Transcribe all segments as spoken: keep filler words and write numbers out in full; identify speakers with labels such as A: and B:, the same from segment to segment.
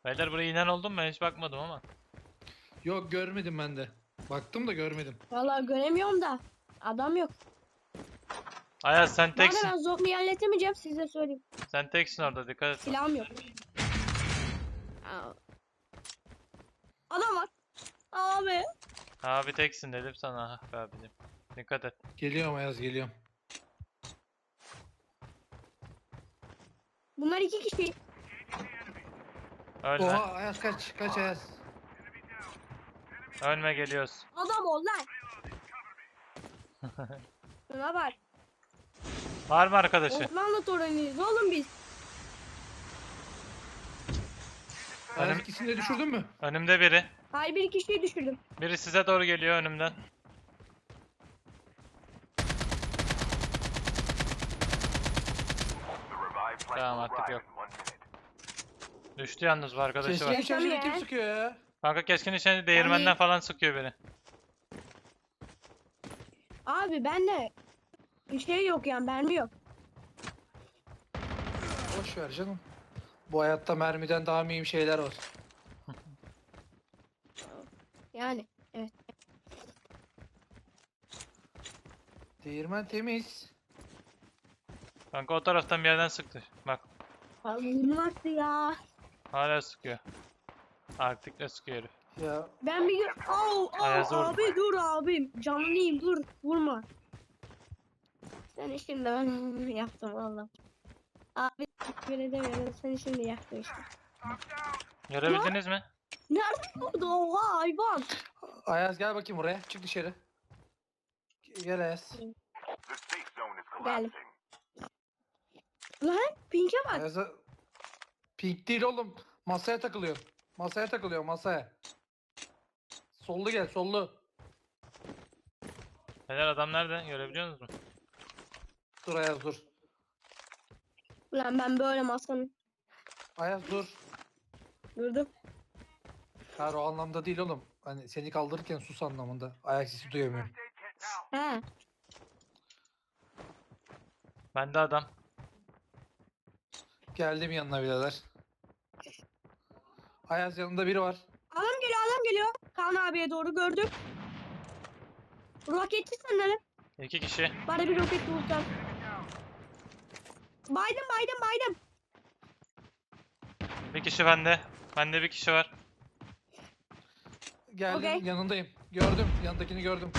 A: Beyler buraya inen oldu mu? Ben hiç bakmadım ama.
B: Yok görmedim ben de. Baktım da görmedim.
C: Vallahi göremiyorum da. Adam yok.
A: Ayaz sen
C: Bu arada
A: teksin.
C: ben zombi halledemeyeceğim size söyleyeyim.
A: Sen teksin orada, dikkat et.
C: Silahım yok. Aa. Adam var. Abi.
A: Abi teksin dedim sana. Ah be abicim. Dikkat et.
B: Geliyorum Ayaz geliyorum.
C: Bunlar iki kişi.
A: Ölme.
B: Oha Ayaz kaç kaç Ayaz.
A: Ölme, geliyoruz.
C: Adam ol lan. Şuna bak.
A: Var mı arkadaşı?
C: Osmanlı torunuyuz oğlum biz.
B: Ayaz
A: Önüm-
B: ikisini de düşürdün mü?
A: Önümde biri.
C: Hayır bir kişiyi düşürdüm.
A: Biri size doğru geliyor önümden. Tamam, artık yok. Düştü yalnız, bu arkadaşı
B: Keskin
A: var.
B: nişancıyla
C: Yaşam
B: kim
C: ya.
B: sıkıyor ya?
A: Kanka keskin nişancı değirmenden
C: Yani-
A: falan sıkıyor beni.
C: Abi ben de bir şey yok yani mermi yok.
B: Boş ver canım. Bu hayatta mermiden daha mühim şeyler var.
C: Yani evet.
B: Değirmen temiz.
A: Kanka o taraftan bir yerden sıktı. Bak
C: Abi nasıl ya?
A: hala sıkıyor. Artık da sıkıyor herif.
B: Ya
C: Ben bir gün au au
A: Ayazı vurdum.
C: abi dur abim canlıyım dur vurma. Sen şimdi ben yaptım valla. Abi teşekkür edemiyorum seni şimdi yaptım işte.
A: Görebildiniz mi?
C: Nerede vurdu oha hayvan?
B: Ayaz gel bakayım buraya. Çık dışarı. Gel Ayaz.
C: Geldim. Lan pinke bak.
B: Ayaz'a... Pink değil oğlum. Masaya takılıyor. Masaya takılıyor masaya. Sollu gel sollu.
A: Beyler adam nerede? Görebiliyor musunuz?
B: Dur Ayaz dur.
C: Ulan ben böyle masanın
B: Ayaz dur.
C: durdum.
B: Hayır o anlamda değil oğlum. Hani seni kaldırırken sus anlamında. Ayak sesi duyamıyorum.
C: He.
A: Bende adam.
B: Geldim yanına birader. Ayaz yanında biri var.
C: Adam geliyor adam geliyor. Kaan abiye doğru gördüm. Roketçi sanırım.
A: İki kişi.
C: Bana bir roket bulsam. Baydım baydım baydım.
A: Bir kişi bende. Bende bir kişi var.
B: Geldim
C: Okey.
B: yanındayım. Gördüm yanındakini gördüm.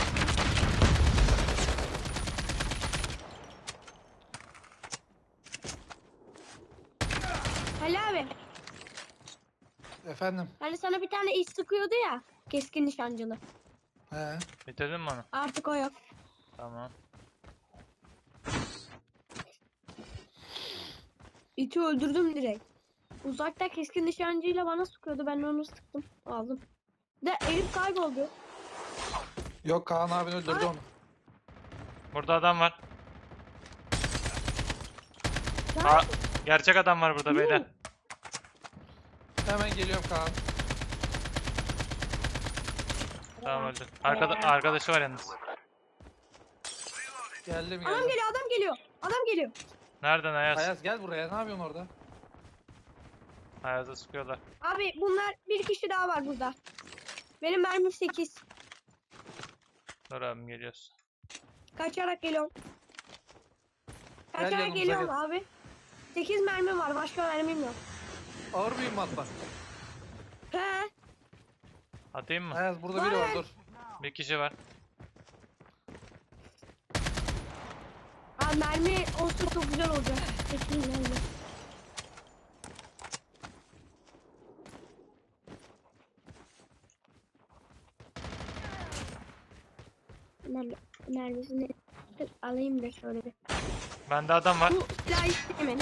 C: Ali abi.
B: Efendim.
C: Hani sana bir tane iş sıkıyordu ya. Keskin nişancılı.
B: He.
A: Bitirdin mi onu?
C: Artık o yok.
A: Tamam.
C: İti öldürdüm direkt. Uzakta keskin nişancıyla bana sıkıyordu. Ben de onu sıktım. Aldım. De Elif kayboldu.
B: Yok Kaan abin öldürdü
C: Abi.
B: onu.
A: Burada adam var.
C: Lan,
A: Aa, gerçek adam var burada beyler.
B: Hemen geliyorum Kaan.
A: Tamam, öldü. Arkada arkadaşı var yalnız.
B: Geldim
C: Adam
B: geldim.
C: geliyor adam geliyor. Adam geliyor.
A: Nereden Ayaz?
B: Ayaz gel buraya. Ne yapıyorsun orada?
A: Ayaz'a sıkıyorlar.
C: Abi bunlar bir kişi daha var burada. Benim mermim sekiz.
A: Dur abim, geliyoruz.
C: Kaçarak geliyorum.
B: Gel
C: Kaçarak
B: yanımıza
C: geliyorum
B: gel.
C: abi. sekiz mermim var. Başka mermim yok.
B: Ağır mühimmat var.
C: He.
A: Atayım mı?
B: Ayaz burada biri var dur.
A: Bir kişi var.
C: Abi mermi olsa çok güzel olacak. sekiz mermi. Mermi, mermisini alayım da şöyle bir.
A: Bende adam var.
C: Bu silahı istemeyin.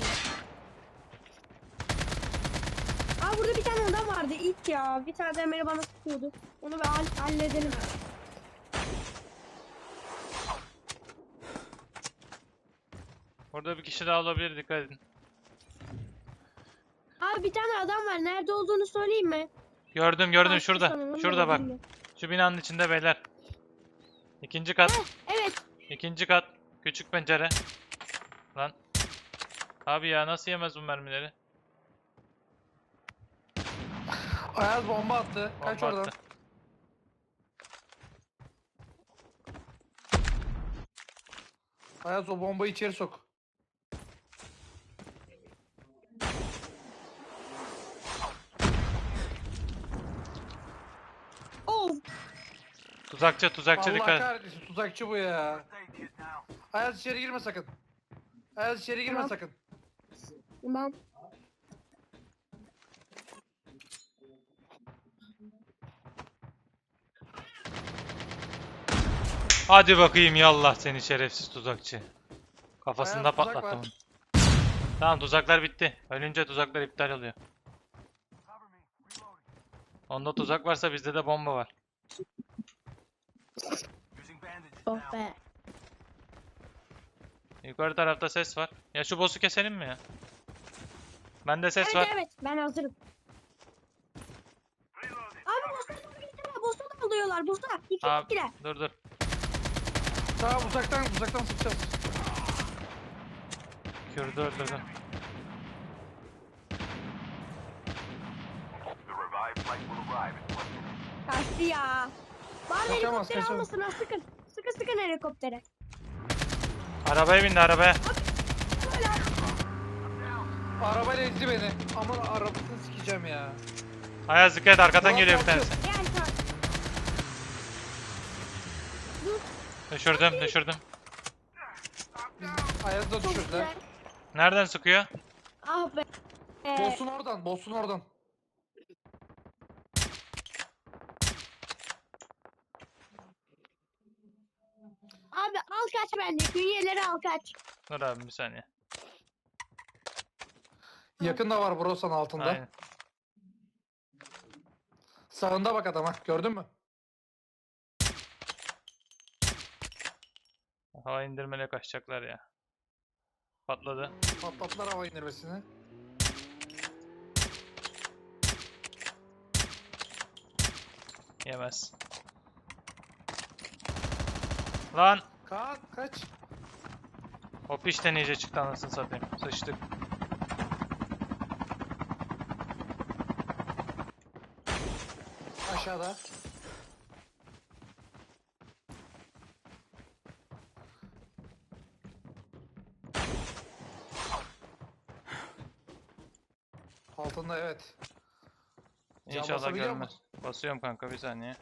C: Aa burada bir tane adam vardı ilk ya. Bir tane de bana sıkıyordu. Onu bir hall- halledelim.
A: Burada bir kişi daha olabilir, dikkat edin.
C: Abi bir tane adam var. Nerede olduğunu söyleyeyim mi?
A: Gördüm gördüm,
C: Başka
A: şurada.
C: sanırım,
A: Şurada bak.
C: bilmiyorum.
A: Şu binanın içinde beyler. İkinci kat.
C: Evet.
A: İkinci kat. Küçük pencere. Lan. Abi ya nasıl yemez bu mermileri?
B: Ayaz bomba attı. Kaç
A: Bomba
B: oradan.
A: attı.
B: Ayaz o bombayı içeri sok.
C: Of.
A: Tuzakçı tuzakçı
B: Allah
A: dikkat et.
B: kahretsin tuzakçı bu ya. Ayaz içeri girme sakın. Ayaz içeri girme
C: Tamam.
B: sakın.
C: Tamam.
A: Hadi bakayım yallah seni şerefsiz tuzakçı. Kafasında
B: Ayaz, tuzak
A: patlattım.
B: var.
A: onu. Tamam tuzaklar bitti. Ölünce tuzaklar iptal oluyor. Onda tuzak varsa bizde de bomba var.
C: Oh be.
A: Yukarı tarafta ses var. Ya şu boss'u keselim mi ya? Bende ses
C: Evet
A: var.
C: evet ben hazırım. Abi boss'a doğru gittiler. Boss'a da alıyorlar. Boss'a. İki
A: Abi,
C: gittiler.
A: dur dur.
B: Tamam uzaktan uzaktan sıkacağız.
A: Kürdü öldürdüm.
C: Kaçtı ya. Bari
B: Kaçamaz,
C: helikopteri
B: kaçamaz.
C: almasın ha sıkın. Sıkın sıkın helikoptere.
A: Arabaya bindi arabaya.
C: Böyle
B: Arabayla ezdi beni. Aman arabasını sikeceğim ya.
A: Ayaz dikkat et, arkadan
B: Ulan
A: geliyor bir
B: kalkıyor.
A: tanesi.
C: yani tamam. Dur.
A: Düşürdüm düşürdüm.
B: Ayaz'ı da
C: Çok
B: düşürdüler.
C: güzel.
A: Nereden sıkıyor?
C: Ah be. Ee,
B: Boss'un oradan, boss'un oradan.
C: abi al kaç bence. Künyeleri al kaç.
A: Dur abi bir saniye.
B: Yakında var Brosan altında.
A: Aynen.
B: Sağında bak adama. Gördün mü?
A: Hava indirmele kaçacaklar ya. Patladı.
B: Patlattılar hava indirmesini.
A: Yemez. Lan!
B: Kaan kaç.
A: O pişten iyice çıktı anasını satayım. Sıçtık.
B: Aşağıda. Altında evet. Can
A: İnşallah
B: basabiliyor
A: görmez.
B: musun?
A: Basıyorum kanka bir saniye.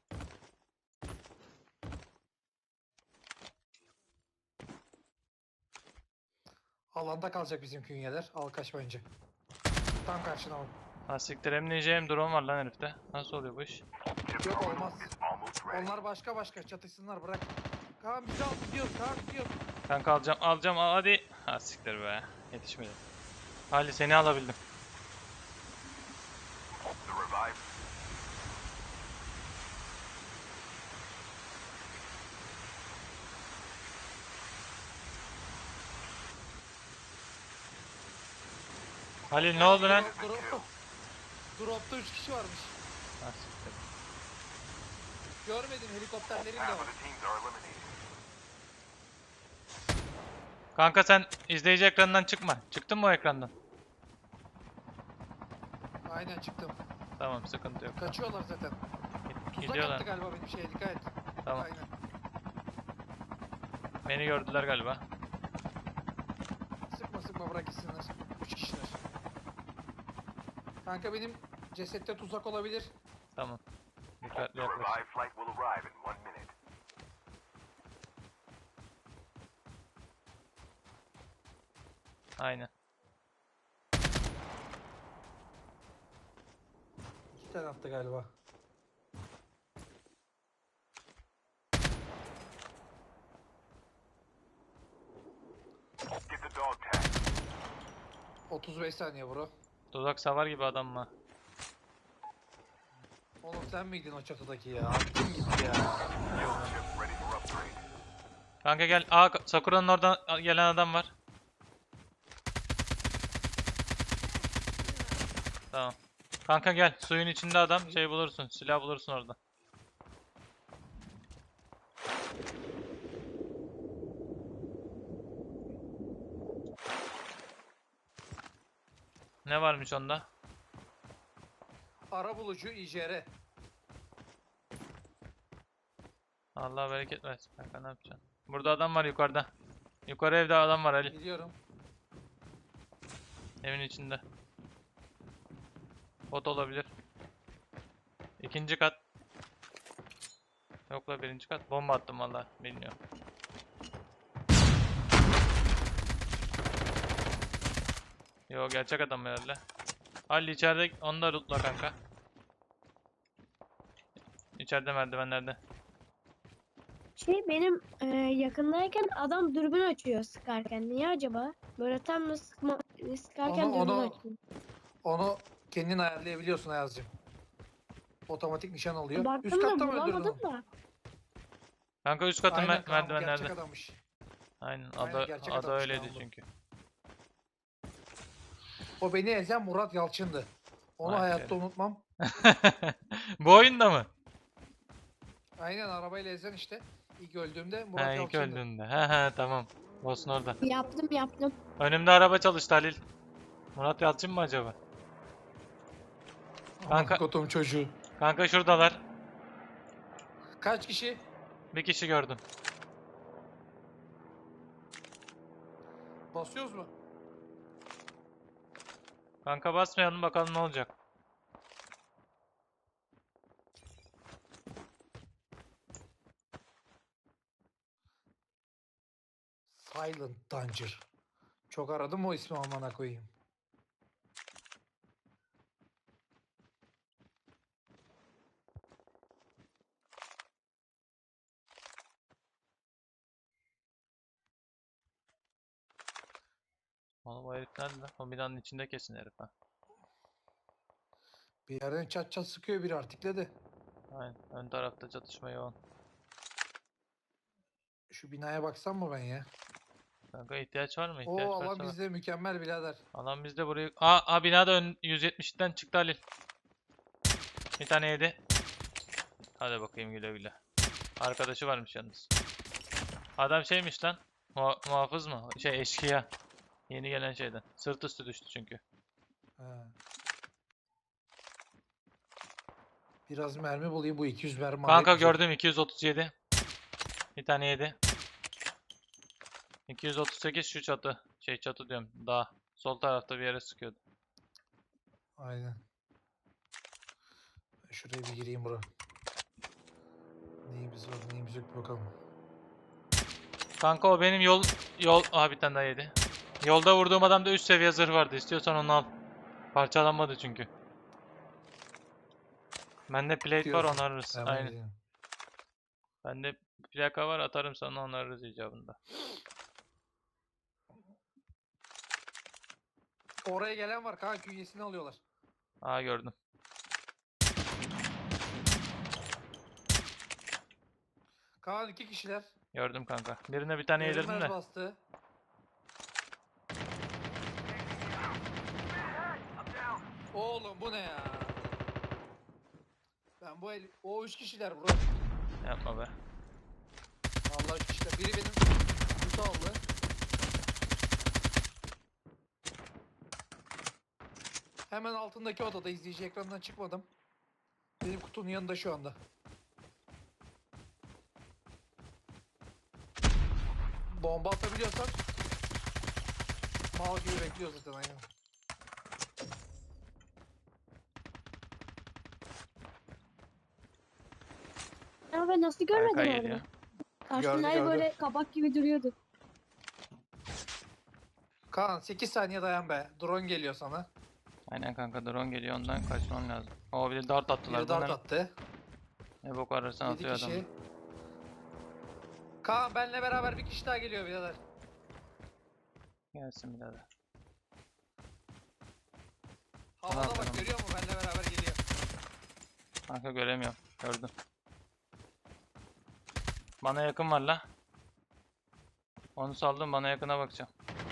B: Alanda kalacak bizim künyeler. Al kaç bence. Tam karşına al.
A: Ha siktir hem ninja hem drone var lan herifte. Nasıl oluyor bu iş?
B: Yok olmaz. Onlar başka başka çatışsınlar bırak. Kaan bizi al gidiyor. Kaan gidiyor.
A: Kanka alacağım alacağım al hadi. Ha siktir be. Yetişmedi. Ali seni alabildim. Halil ne oldu lan?
B: Drop, drop. Drop'ta üç kişi varmış.
A: Ha, siktir.
B: Görmedim helikopterlerin de var.
A: Kanka sen izleyici ekranından çıkma. Çıktın mı o ekrandan?
B: Aynen çıktım.
A: Tamam sıkıntı yok.
B: Kaçıyorlar zaten. Tuzak
A: Gidiyorlar.
B: attı galiba benim şeye dikkat et.
A: Tamam.
B: Aynen.
A: Beni gördüler galiba.
B: Sıkma sıkma bırak gitsinler. Üç kişiler. Kanka benim cesette tuzak olabilir.
A: Tamam. Dikkatli yaklaş. Aynen.
B: İki tane attı galiba. otuz beş saniye bro.
A: Tuzak savar gibi adam mı?
B: Oğlum sen miydin o çatıdaki ya? Attın gitti ya.
A: Kanka gel. Aa Sakura'nın oradan gelen adam var. Tamam. Kanka gel. Suyun içinde adam. Şey bulursun. Silah bulursun orada. Ne varmış onda?
B: Ara bulucu İ J R.
A: Allah bereket versin kanka, ne yapacaksın? Burada adam var yukarıda. Yukarı evde adam var Ali.
B: Biliyorum.
A: Evin içinde. Bot olabilir. İkinci kat. Yok la, birinci kat. Bomba attım valla. Bilmiyorum. Yo, gerçek adam herhalde. Ali içeride, onu da lootla kanka. İçeride merdivenlerde.
C: Şey benim e, yakındayken adam dürbün açıyor sıkarken. Niye acaba? Böyle tam da sıkma, sıkarken
B: Onu-
C: dürbün
B: onu-
C: açıyor.
B: Onu kendin ayarlayabiliyorsun Ayaz'cığım. Otomatik nişan alıyor. Üst
C: Baktım
B: katta
C: da
B: mı öldürdün
C: bulamadım
B: onu?
C: da.
A: Kanka üst katın
B: Aynen
A: mer-
B: Kaan, bu
A: merdivenlerde.
B: gerçek adammış.
A: Aynen.
B: Aynen,
A: Ada,
B: gerçek
A: ada
B: adammış
A: öyleydi
B: Kaan bu.
A: çünkü.
B: O beni ezen Murat Yalçın'dı. Onu
A: Vay
B: hayatta
A: be.
B: unutmam.
A: Bu oyunda mı?
B: Aynen, arabayla ezen işte. İlk öldüğümde Murat
A: He, ilk
B: Yalçın'dı.
A: öldüğünde. He he, tamam. Boss'un orada.
C: Yaptım yaptım.
A: Önümde araba çalıştı Halil. Murat Yalçın mı acaba? Kanka-
B: Kanka. Kotum çocuğu.
A: Kanka şuradalar.
B: Kaç kişi?
A: Bir kişi gördüm.
B: Basıyoruz mu?
A: Kanka basmayalım, bakalım ne olacak.
B: Silent Danger. Çok aradım o ismi, amına koyayım.
A: Oğlum o herif nerede lan? O binanın içinde kesin herif ha.
B: Bir yerden çat çat sıkıyor biri artikledi.
A: Aynen. Ön tarafta çatışma yoğun.
B: Şu binaya baksam mı ben ya?
A: Kanka ihtiyaç var mı? İhtiyaç
B: Oo,
A: varsa
B: alan
A: bak.
B: bizde mükemmel birader.
A: Alan bizde, burayı... Aa, aa binada ön yüz yetmişten çıktı Halil. Bir tane yedi. Hadi bakayım, güle güle. Arkadaşı varmış yalnız. Adam şeymiş lan. Muha- muhafız mı? Şey, eşkıya. Yeni gelen şeyden. Sırt üstü düştü çünkü.
B: Ha. Biraz mermi bulayım, bu iki yüz mermi
A: Kanka
B: alayım.
A: gördüm, iki yüz otuz yedi. Bir tane yedi. iki yüz otuz sekiz şu çatı. Şey, çatı diyorum. Dağ. Sol tarafta bir yere sıkıyordu.
B: Aynen. Ben şuraya bir gireyim bura. Neyimiz var neyimiz yok bir bakalım.
A: Kanka o benim yol... Yol... Aha, bir tane daha yedi. Yolda vurduğum adamda üst seviye zırh vardı. İstiyorsan onu al. Parçalanmadı çünkü. Bende plate var,
B: Diyorsun.
A: onarırız.
B: Hemen
A: Aynen.
B: gireyim.
A: Bende plaka var, atarım sana, onarırız icabında.
B: Oraya gelen var kanka, künyesini alıyorlar.
A: Aa, gördüm.
B: Kaan iki kişiler.
A: Gördüm kanka. Birine bir tane yedirdim
B: Görünmez
A: de.
B: bastı. Oğlum bu ne ya? Ben bu el... O üç kişiler bro.
A: Yapma be.
B: Allah üç kişiler. Biri benim kutu aldı. Hemen altındaki odada, izleyici ekrandan çıkmadım. Benim kutunun yanında şu anda. Bomba atabiliyorsak mal gibi bekliyor zaten, aynen.
C: Ama ben nasıl görmedim
A: Harika
C: onu?
A: geliyor.
C: Karşımda
B: Gördü,
C: böyle kabak gibi duruyordu.
B: Kaan sekiz saniye dayan be. Drone geliyor sana.
A: Aynen kanka, drone geliyor, ondan kaçman lazım. O bir de dart attılar.
B: Biri dart
A: Bunlar
B: attı.
A: ne bok ararsan
B: yedi
A: atıyor adam.
B: kişi. Kaan benle beraber bir kişi daha geliyor birader.
A: Gelsin birader.
B: Havada
A: Tamam,
B: bak,
A: tamam.
B: görüyor musun? Benle beraber geliyor.
A: Kanka göremiyorum. Gördüm. Bana yakın var la. Onu saldım, bana yakına bakacağım.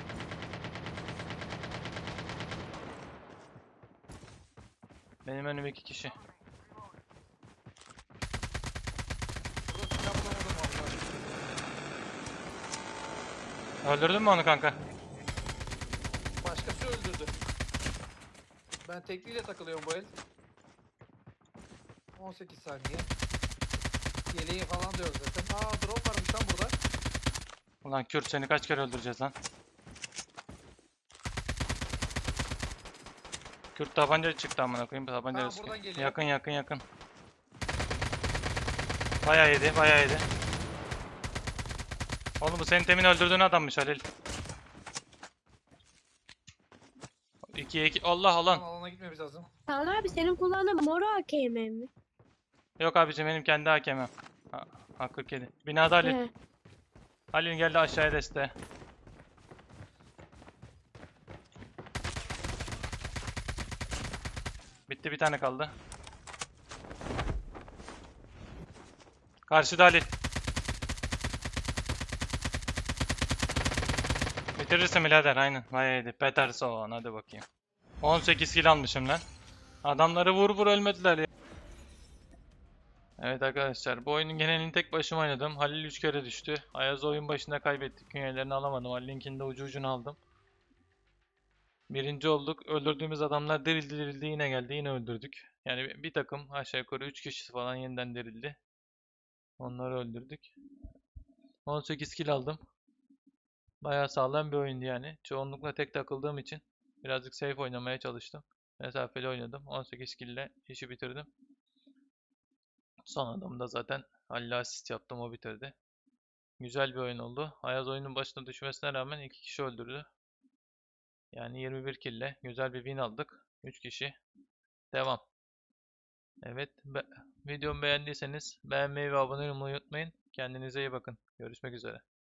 A: Benim önüm iki kişi.
B: Burada silah bulamadım vallahi.
A: Öldürdün mü onu kanka?
B: Başkası öldürdü. Ben tekliyle takılıyorum bu el. on sekiz saniye. Yeleği falan da yok zaten. Aa drone varmış lan burada.
A: Ulan Kürt seni kaç kere öldüreceğiz lan? Kürt tabanca çıktı amına koyayım. Tabanca
B: Ha,
A: sıkıyor.
B: buradan geliyor.
A: Yakın yakın yakın. Bayağı yedi, bayağı yedi. Oğlum bu senin temin öldürdüğün adammış Halil. ikiye iki. Allah
B: Lan
A: Allah.
B: alana gitmemiz lazım.
C: Kaan abi senin kullandığın mor A K M mi?
A: Yok abicim benim kendi hakemim. Ha, ha kırk yedi. Binada Halil.
C: He.
A: Halil geldi aşağıya desteğe. Bitti bir tane kaldı. Karşıda Halil. Bitirirsin birader aynen. Vay yedi. Peterson hadi bakayım. on sekiz kill almışım lan. Adamları vur vur ölmediler ya. Evet arkadaşlar bu oyunun genelini tek başıma oynadım. Halil üç kere düştü. Ayaz oyun başında kaybettik. Künyelerini alamadım. Halil'inkini de ucu ucuna aldım. Birinci olduk. Öldürdüğümüz adamlar dirildi dirildi yine geldi. Yine öldürdük. Yani bir bir takım aşağı yukarı üç kişi falan yeniden dirildi. Onları öldürdük. on sekiz kill aldım. Bayağı sağlam bir oyundu yani. Çoğunlukla tek takıldığım için birazcık safe oynamaya çalıştım. Mesafeli oynadım. on sekiz kill ile işi bitirdim. Son adamda zaten Halil'e asist yaptım, o bitirdi. Güzel bir oyun oldu. Ayaz oyunun başına düşmesine rağmen iki kişi öldürdü. Yani yirmi bir kill ile güzel bir win aldık. üç kişi. Devam. Evet. Be videomu beğendiyseniz beğenmeyi ve abone olmayı unutmayın. Kendinize iyi bakın. Görüşmek üzere.